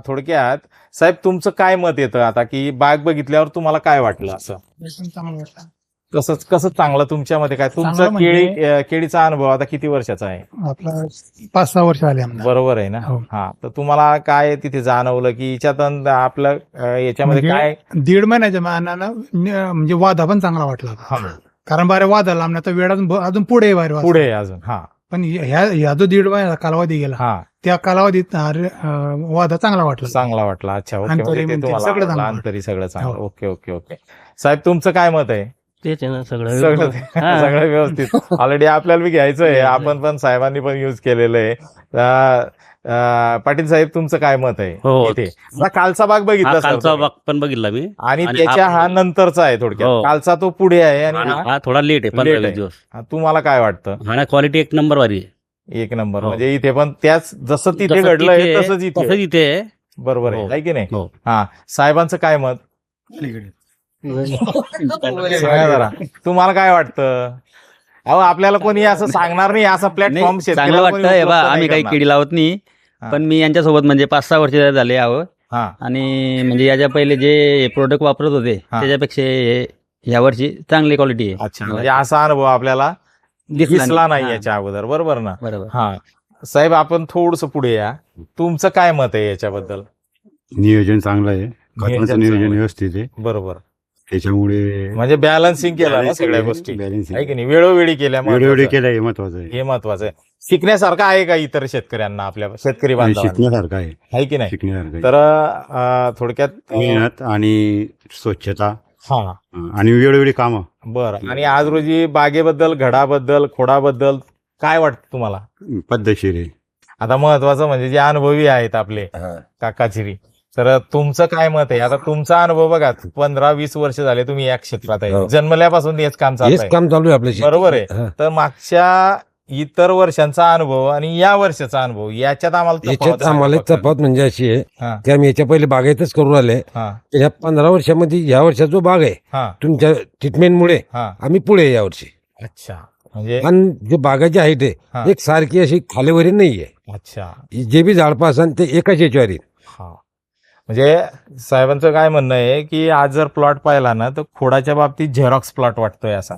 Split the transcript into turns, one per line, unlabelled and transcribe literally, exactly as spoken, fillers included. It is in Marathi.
थोडक्यात साहेब तुमचं काय मत येतं आता की बाग बघितल्यावर तुम्हाला काय वाटलं असं
एकदम चांगलं वाटलं.
कसं कसं चांगलं तुमच्यामध्ये काय तुमचा
चांगलं म्हणजे-
केळी अं, केळीचा अनुभव आता किती वर्षाचा आहे
आपला पाच सहा वर्ष आले आम्हाला.
बरोबर आहे ना
हो.
हा तर तुम्हाला काय तिथे जाणवलं की याच्यात अन आपलं अं, याच्यामध्ये
म्हणजे
काय
दीड महिन्याच्या मानानं न- म्हणजे वादा पण चांगला वाटला होता.
हा,
कारण बारे वादा लांबला तर वेळ अजून अजून पुढे आहे बारे वाद.
पुढे आहे अजून हा
पण ह्या ह्या जो दीड महिन्याचा कालावधी गेला
हा
त्या कालावधीत अरे, अं, वादा चांगला वाटला.
चांगला वाटला अच्छा ओके
अंतरी
म्हणजे ते
बिंतरी
तुम्हाला
सगळं
आवडलं,
चांगलं
अंतरी सगळं चांगलं
हो.
ओके ओके ओके साहेब तुमचं काय मत आहे
तेच आहे ना सगळं
सगळं
हा.
सगळं व्यवस्थित ऑलरेडी आपल्याला बी घ्यायचं आहे आपण पण साहेबांनी पण युज केलेलं आहे अं, अं, पाटील साहेब तुमचं काय मत आहे
हो.
इथे आता कालचा भाग
हा
बघितला sir
कालचा
तुम्ही.
भाग पण बघितला मी
आणि
आणि
त्याच्या
आप-
हा नंतरचा आहे थोडक्यात
हो.
कालचा तो पुढे आहे आणि
आणि
हा
हा थोडा लेट आहे पंधरा
Late
वीस
आहे.
दिवस
हा, तुम्हाला काय वाटतं
हा ना क्वालिटी एक नंबर वारी आहे
एक नंबर
हो.
म्हणजे इथे पण त्याच जसं तिथे
जसं
घडलंय
तिथे-
तसंच इथे
तसंच इथे आहे.
बरोबर आहे
हो.
है की नाही
हो.
हा साहेबांचं काय मत सांगा जरा तुम्हाला काय वाटतं अहो आपल्याला कोणी असं सांगणार नाही असा प्लॅटफॉर्म
नाही, चांगलं वाटतं हे बा आम्ही काही केळी लावत नाही
हा.
पण मी यांच्यासोबत म्हणजे पाच सहा वर्ष झाले आहो
हा
आणि म्हणजे याच्या पहिले जे प्रोडक्ट वापरत होते
हा.
त्याच्यापेक्षा हे- ह्या वर्षी चांगली क्वालिटी आहे
अच्छा म्हणजे असा अनुभव आपल्याला दिसला नाही
हा.
याच्या अगोदर बरोबर ना
बरोबर
हा साहेब आपण थोडस पुढे या तुमचं काय मत आहे याच्याबद्दल
नियोजन चांगलं आहे
नियोजन
खतांचं नियोजन
चांगलं आहे.
व्यवस्थित आहे
बरोबर
त्याच्यामुळे
म्हणजे बॅलन्सिंग केलं ना सगळ्या गोष्टी
बॅलन्सिंग
आहे की नाही वेळोवेळी केल्या
वेळोवेळी
महत्त्वाचं.
केलं हे महत्वाचं आहे
हे महत्वाचं आहे शिकण्यासारखं आहे का इतर शेतकऱ्यांना आपल्या शेतकरी बांधवांना
शिकण्यासारखं आहे
आहे की नाही
शिकण्यासारखं आहे.
तर अं, थोडक्यात अं,
मेहनत आणि स्वच्छता
हा
अं, आणि वेळोवेळी कामं
बरं आणि आज रोजी बागेबद्दल घडाबद्दल खोडाबद्दल काय वाटतं तुम्हाला
पद्धतशीर आहे
आता महत्वाचं म्हणजे जे अनुभवी आहेत आपले काकाचिरी तर तुमचं काय मत आहे आता तुमचा अनुभव बघा पंधरा वीस वर्ष झाले तुम्ही या क्षेत्रात आहे
हो.
जन्मल्यापासून हेच काम चालू
हेच
आहे
काम चालू आहे आपल्या शेतीत.
बरोबर आहे
हा.
तर मागच्या इतर वर्षांचा अनुभव आणि या वर्षाचा अनुभव याच्यात आम्हाला तफावत
याच्यात
सांगा
आम्हाला एक
फक्त.
तफावत म्हणजे अशी आहे
हा
की आम्ही याच्या पहिले बागायतच करून आले
हा
या पंधरा वर्षामध्ये या वर्षाचा जो बाग आहे
हा
तुमच्या ट्रीटमेंटमुळे
हा
आम्ही पुढे आहे यावर्षी
अच्छा म्हणजे
आणि जे बागाची हाईट
हा.
आहे एक सारखी अशी खालीवरी नाहीये
अच्छा
जे बी झाडपा असन ते एकाच याच्यावर येईल.
हा म्हणजे साहेबांचं काय म्हणणं आहे की आज जर प्लॉट पाहिला ना तर खोडाच्या बाबतीत झेरॉक्स प्लॉट वाटतोय असा